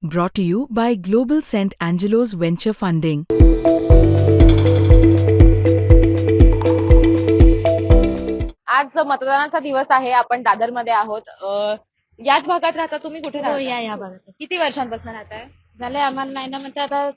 Brought to you by Global St. Angelo's Venture Funding. आज मतदानाचा दिवस आहे. आपण दादरमध्ये आहोत. याच भागात राहता तुम्ही? कुठे हो, राहता? या भागात किती वर्षांपासून राहताय? झालंय आम्हाला नाही ना म्हणते आता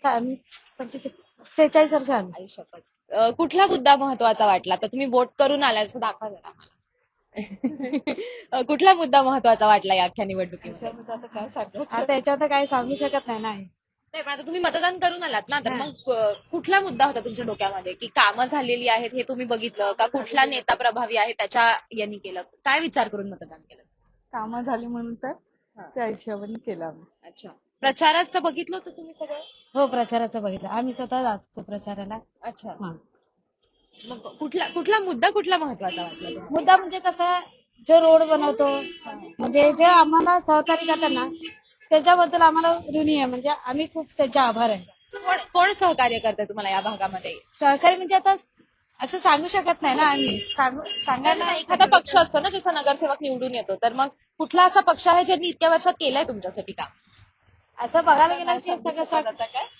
46 वर्ष आली. आई शपथ. कुठला मुद्दा महत्वाचा वाटला? तर तुम्ही वोट करून आल्याचं दाखवा जरा आम्हाला. कुठला मुद्दा महत्वाचा वाटला या अख्ख्या निवडणुकीमध्ये? आता याच्यावर तर काही सांगू शकत नाही ना. नाही, पण आता तुम्ही मतदान करून आलात ना, तर मग कुठला मुद्दा होता तुमच्या डोक्यामध्ये की कामं झालेली आहेत हे तुम्ही बघितलं का? कुठला नेता प्रभावी आहे त्याच्या यांनी केलं? काय विचार करून मतदान केलं? कामं झाली म्हणून तर त्या हिशोबाने केलं आम्ही. अच्छा. प्रचाराचं बघितलं होतं तुम्ही सगळं? हो, प्रचाराचं बघितलं आम्ही, स्वतः जातो प्रचाराला. अच्छा. हा. मग कुठला मुद्दा महत्वाचा वाटला तुम्हाला? मुद्दा म्हणजे कसं, जो रोड बनवतो म्हणजे जे आम्हाला सहकार्य करतात ना, त्याच्याबद्दल आम्हाला ऋणी आहे. म्हणजे आम्ही खूप त्याचे आभार आहे. कोण सहकार्य करतंय तुम्हाला या भागामध्ये? सहकार्य म्हणजे आता असं सांगू शकत नाही ना आम्ही. सांगायला एखादा पक्ष असतो ना जिथं नगरसेवक निवडून येतो, तर मग कुठला असा पक्ष आहे ज्यांनी इतक्या वर्षात केलंय तुमच्यासाठी काम? असं बघायला गेलं की सगळं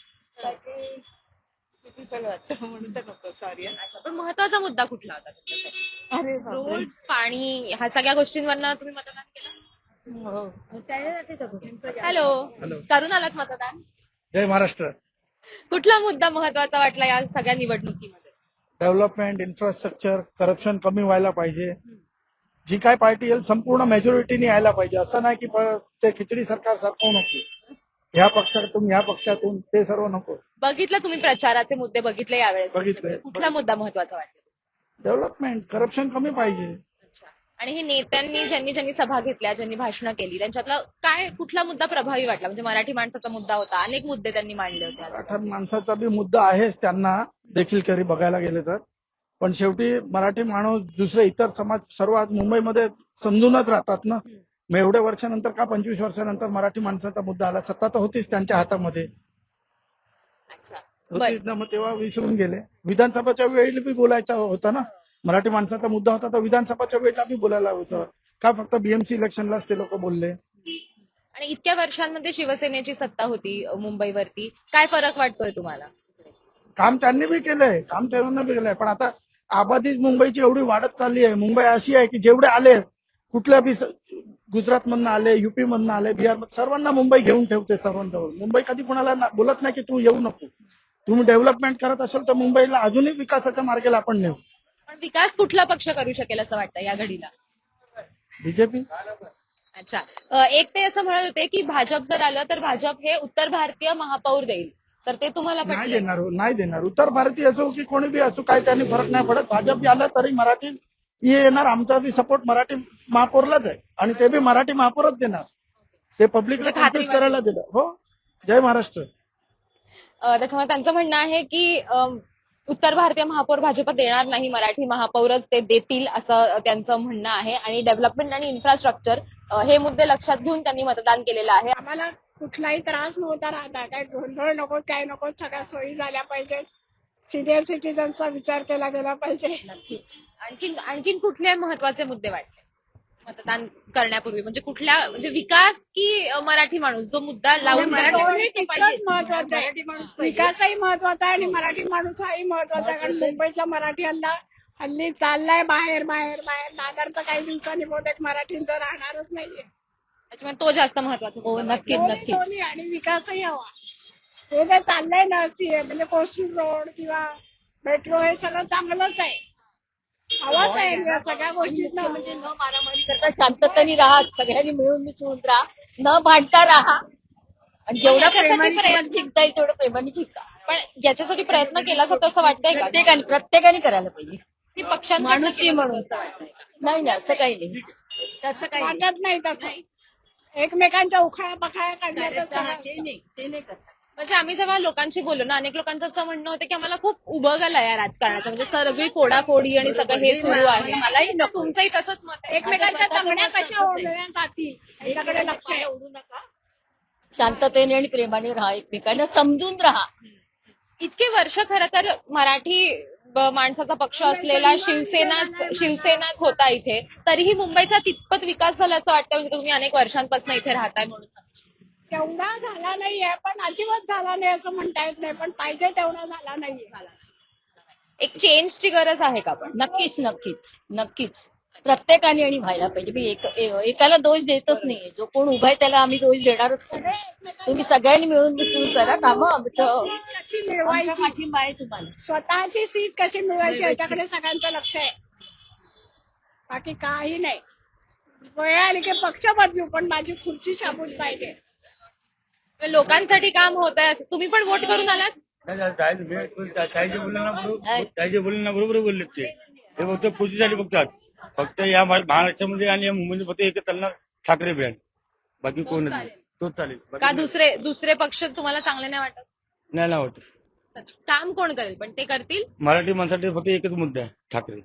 म्हणून तर नको, सॉरी. अच्छा, पण महत्वाचा मुद्दा कुठला होता तुमच्यासाठी? अरे बापरे. रोड्स, पाणी, ह्या सगळ्या गोष्टींवरनं तुम्ही मतदान केलं? हो. हॅलो, करून आलात मतदान? जय महाराष्ट्र. कुठला मुद्दा महत्वाचा वाटला या सगळ्या निवडणुकीमध्ये? डेव्हलपमेंट, इन्फ्रास्ट्रक्चर, करप्शन कमी व्हायला पाहिजे. जी काय पार्टी येईल संपूर्ण मेजॉरिटीने यायला पाहिजे. असं नाही की ते खिचडी सरकार सारखं नको. ह्या पक्षातून ह्या पक्षातून ते सर्व नको. बघितलं तुम्ही प्रचाराचे मुद्दे बघितले यावेळेस? बघितले. कुठला मुद्दा महत्वाचा वाटला? डेव्हलपमेंट, करप्शन कमी पाहिजे. अच्छा. आणि हे नेत्यांनी ज्यांनी सभा घेतल्या, ज्यांनी भाषणं केली, त्यांच्यातला कुठला मुद्दा प्रभावी वाटला? म्हणजे मराठी माणसाचा मुद्दा होता, अनेक मुद्दे त्यांनी मांडले होते आज. मराठा माणसाचा बी मुद्दा आहेच त्यांना देखील करी बघायला गेले तर. पण शेवटी मराठी माणूस दुसरे इतर समाज सर्व आज मुंबईमध्ये समजूनच राहतात ना. मग एवढ्या वर्षानंतर का 25 वर्षानंतर मराठी माणसाचा मुद्दा आला? सत्ता तर होतीच त्यांच्या हातामध्ये. अच्छा. होतीच ना, मग तेव्हा विसरून गेले. विधानसभाच्या वेळी बी बोलायचा होता ना. मराठी माणसाचा मुद्दा होता तर विधानसभाच्या वेळेला बी बोलायला होतं. का फक्त बीएमसी इलेक्शनलाच ते लोक बोलले? आणि इतक्या वर्षांमध्ये शिवसेनेची सत्ता होती मुंबईवरती, काय फरक वाटतोय तुम्हाला? काम त्यांनी बी केलंय, काम त्यांनी बी केलंय. पण आता आबादी मुंबईची एवढी वाढत चालली आहे. मुंबई अशी आहे की जेवढे आले, कुठल्या बी गुजरात मधनं आले, युपी मधनं आले, बिहार, सर्वांना मुंबई घेऊन ठेवते सर्वांजवळ. मुंबई कधी कोणाला बोलत नाही की तू येऊ नको. तुम्ही डेव्हलपमेंट करत असेल तर मुंबईला अजूनही विकासाच्या मार्गाला आपण नेऊ. पण विकास कुठला पक्ष करू शकेल असं वाटतं या घडीला? बीजेपी. अच्छा. एक ते असं म्हणत होते की भाजप जर आलं तर भाजप हे उत्तर भारतीय महापौर देईल, तर ते तुम्हाला नाही पटलंय? देणार, नाही देणार. उत्तर भारतीय असो की कोणी बी असो, काय त्यांनी फरक नाही पडत. भाजप आलं तरी मराठी येणार. आमचा बी सपोर्ट मराठी महापौरलाच आहे आणि ते बी मराठी महापौरच देणार. ते पब्लिकला खात्री कन्फ्युज करायला दिलं. हो, जय महाराष्ट्र. त्याच्यामुळे त्यांचं म्हणणं आहे की उत्तर भारतीय महापौर भाजप देणार नाही, मराठी महापौरच ते देतील असं त्यांचं म्हणणं आहे. आणि डेव्हलपमेंट आणि इन्फ्रास्ट्रक्चर हे मुद्दे लक्षात घेऊन त्यांनी मतदान केलेलं आहे. आम्हाला कुठलाही त्रास नव्हता राहता, काय गोंधळ नको, काय नको, सगळ्या सोयी झाल्या पाहिजे. सिनियर सिटीजनचा विचार केला गेला पाहिजे. नक्कीच. आणखीन कुठले महत्वाचे मुद्दे वाटले मतदान करण्यापूर्वी? म्हणजे म्हणजे विकास की मराठी माणूस, जो मुद्दा लावून दोन्ही तितकंच महत्वाचं आहे. विकासही महत्वाचा आहे आणि मराठी माणूस हाही महत्वाचा आहे. कारण मुंबईतला मराठी हल्ली चाललाय बाहेर बाहेर बाहेर. दादरचं काही दिवसांनी बहुतेक मराठींचं राहणारच नाहीये. त्याच्यामुळे तो जास्त महत्वाचा. हो, दोन्ही आणि विकासही हवा. हे जे चाललंय ना, म्हणजे कोस्टल रोड किंवा मेट्रो, हे सगळं चांगलंच आहे. हवाच आहे या सगळ्या गोष्टीत. म्हणजे न मारामारी करता शांततेने राहा, सगळ्यांनी मिळून मिसळून राहा, न भांडता राहा आणि जेवढा प्रेमाने जिंकता येईल तेवढं प्रेमाने जिंका. पण याच्यासाठी प्रयत्न केला असं तसं वाटतंय का? प्रत्येकाने करायला पाहिजे. ती पक्षांना माणुसकी म्हणून. नाही, असं काही नाही. तसं काही नाही. वाटत नाही तसं. एकमेकांच्या उखाळ्या पखाळ्या काढण्याचं ते नाही करत. म्हणजे आम्ही जेव्हा लोकांशी बोललो ना, अनेक लोकांचं असं म्हणणं होतं की आम्हाला खूप उबगलं या राजकारणाचं, म्हणजे सगळी फोडाफोडी आणि सगळं हे सुरू आहे. मलाही नको. तुमचंही तसंच मत आहे? एकमेकांच्या तंगड्या कशा ओढण्यासाठी याच्याकडे लक्ष ठेवू नका. शांततेने आणि प्रेमाने राहा, एकमेकांना समजून राहा. इतके वर्ष खरं तर मराठी माणसाचा पक्ष असलेला शिवसेनाच होता इथे, तरीही मुंबईचा तितपत विकास झाला असं वाटतं? म्हणजे तुम्ही अनेक वर्षांपासून इथे राहताय म्हणून. तेवढा झाला नाहीये, पण अजिबात झाला नाही असं म्हणता येत नाही, पण पाहिजे तेवढा झाला नाहीये. एक चेंजची गरज आहे का पण? नक्कीच नक्कीच नक्कीच प्रत्येकाने आणि व्हायला पाहिजे. मी एकाला दोष देतच नाहीये. जो कोण उभा आहे त्याला आम्ही दोष देणारच नाही. तुम्ही सगळ्यांनी मिळून मिसळून करा कामं. आमचं कशी आमचा मिळवायची, पाठिंबा आहे तुम्हाला. स्वतःची सीट कशी मिळवायची याच्याकडे सगळ्यांचं लक्ष आहे, बाकी काही नाही. वेळ आली की पक्ष बदलू, पण माझी खुर्ची शाबूत पाहिजे. लोकांसाठी काम होत आहे. तुम्ही पण वोट करून आलात? ताईचे बोलले ना बरोबर बोलले ते फक्त खुर्चीसाठी बघतात. फक्त या महाराष्ट्रामध्ये आणि या मुंबईमध्ये फक्त एकच चालणार ठाकरे ब्रँड, बाकी कोणच नाही. तोच चालेल. का दुसरे पक्ष तुम्हाला चांगले नाही वाटत? नाही ना वाटत. काम कोण करेल पण ते करतील? मराठी माणसासाठी फक्त एकच मुद्दा आहे, ठाकरे.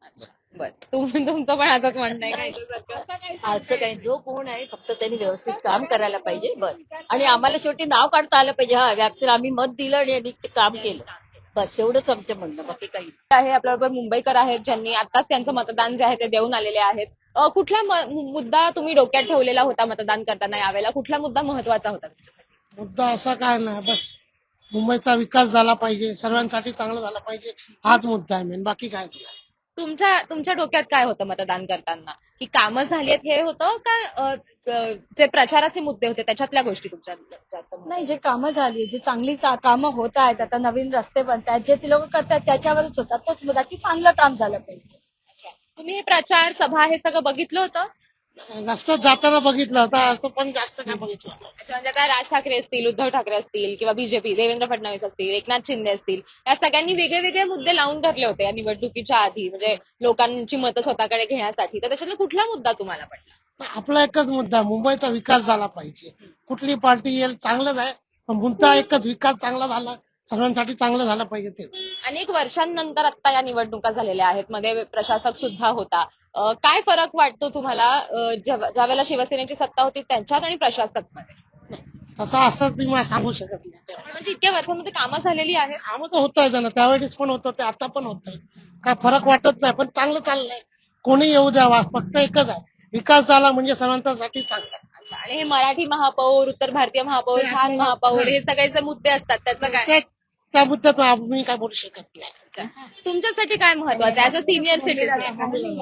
बरं, तुमचं पण असंच म्हणणं आहे का? असं काही जो कोण आहे फक्त त्यांनी व्यवस्थित काम करायला पाहिजे बस. आणि आम्हाला शेवटी नाव काढता आलं पाहिजे. हा व्यक्तीला आम्ही मत दिलं आणि यांनी ते काम केलं, बस एवढंच आमचं म्हणणं, बाकी काही नाही. आहे आपल्याबरोबर मुंबईकर आहेत ज्यांनी आताच त्यांचं मतदान जे आहे ते देऊन आलेले आहेत. कुठला मुद्दा तुम्ही डोक्यात ठेवलेला होता मतदान करताना यावेळेला? कुठला मुद्दा महत्वाचा होता? मुद्दा असा काय नाही, बस मुंबईचा विकास झाला पाहिजे, सर्वांसाठी चांगला झाला पाहिजे, हाच मुद्दा आहे मेन, बाकी काय नाही. तुमच्या डोक्यात काय होतं मतदान करताना? की कामं झालीत हे होतं का जे प्रचाराचे मुद्दे होते त्याच्यातल्या गोष्टी तुमच्या जास्त? नाही, जे कामं झाली, जी चांगली कामं होत आहेत, आता नवीन रस्ते बनतात, जे ती लोक करतात त्याच्यावरच होतात. तोच मुद्दा की चांगलं काम झालं पाहिजे. तुम्ही हे प्रचार सभा हे सगळं बघितलं होतं? रस्त्यात जाताना बघितलं होतं, असं पण जास्त काय बघितलं. अच्छा, म्हणजे आता राज ठाकरे असतील, उद्धव ठाकरे असतील किंवा बीजेपी देवेंद्र फडणवीस असतील, एकनाथ शिंदे असतील, या सगळ्यांनी वेगळे वेगळे मुद्दे लावून धरले होते या निवडणुकीच्या आधी, म्हणजे लोकांची मतं स्वतःकडे घेण्यासाठी. तर त्याच्यातला कुठला मुद्दा तुम्हाला पडला? आपला एकच मुद्दा, मुंबईचा विकास झाला पाहिजे. कुठली पार्टी येईल चांगलंच आहे, पण मुद्दा एकच, विकास चांगला झाला, सर्वांसाठी चांगलं झालं पाहिजे तेच. अनेक वर्षांनंतर आता या निवडणुका झालेल्या आहेत, मध्ये प्रशासक सुद्धा होता. काय फरक वाटतो तुम्हाला ज्या वेळेला शिवसेनेची सत्ता होती त्यांच्यात आणि प्रशासक मध्ये? तसं असं ती मला सांगू शकत नाही. म्हणजे इतक्या वर्षांमध्ये कामं झालेली आहेत. कामं तर होत आहे ना, त्यावेळेस पण होत होते, आता पण होत आहे. काय फरक वाटत नाही, पण चांगलं चाललंय. कोणी येऊ द्यावा, फक्त एकच आहे, विकास झाला म्हणजे सर्वांसाठी चांगला. अच्छा, आणि हे मराठी महापौर, उत्तर भारतीय महापौर, खान महापौर, हे सगळे जे मुद्दे असतात त्याचं काय? त्या मुद्द्यात मी काय बोलू शकत नाही. अच्छा, तुमच्यासाठी काय महत्वाचं आहे ऍज अ सिनियर सिटीजन?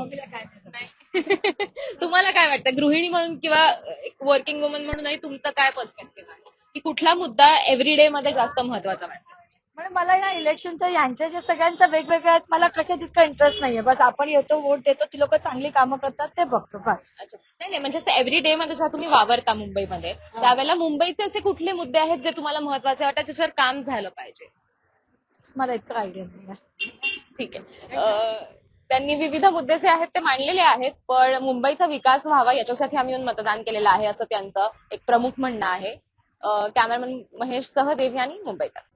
तुम्हाला काय वाटतं गृहिणी म्हणून किंवा एक वर्किंग वुमन म्हणूनही तुमचं काय पर्स्पेक्टिव्ह आहे की कुठला मुद्दा एव्हरीडे मध्ये जास्त महत्वाचा वाटतो? म्हणजे मला या इलेक्शनचं यांच्या जे सगळ्यांचं वेगवेगळं आहेत, मला कशात इतका इंटरेस्ट नाहीये. बस आपण येतो, वोट देतो, ती लोक चांगली कामं करतात ते बघतो बस. अच्छा, नाही म्हणजे एव्हरीडे मध्ये जेव्हा तुम्ही वावरता मुंबईमध्ये त्यावेळेला मुंबईचे असे कुठले मुद्दे आहेत जे तुम्हाला महत्वाचे वाटतात, ज्याच्यावर काम झालं पाहिजे? मला इतकं आयडिया नाही. ठीक आहे. त्यांनी विविध मुद्दे जे आहेत ते मांडलेले आहेत, पण मुंबईचा विकास व्हावा याच्यासाठी आम्ही येऊन मतदान केलेलं आहे असं त्यांचं एक प्रमुख म्हणणं आहे. कॅमेरामन महेश सह देवयानी, मुंबईत.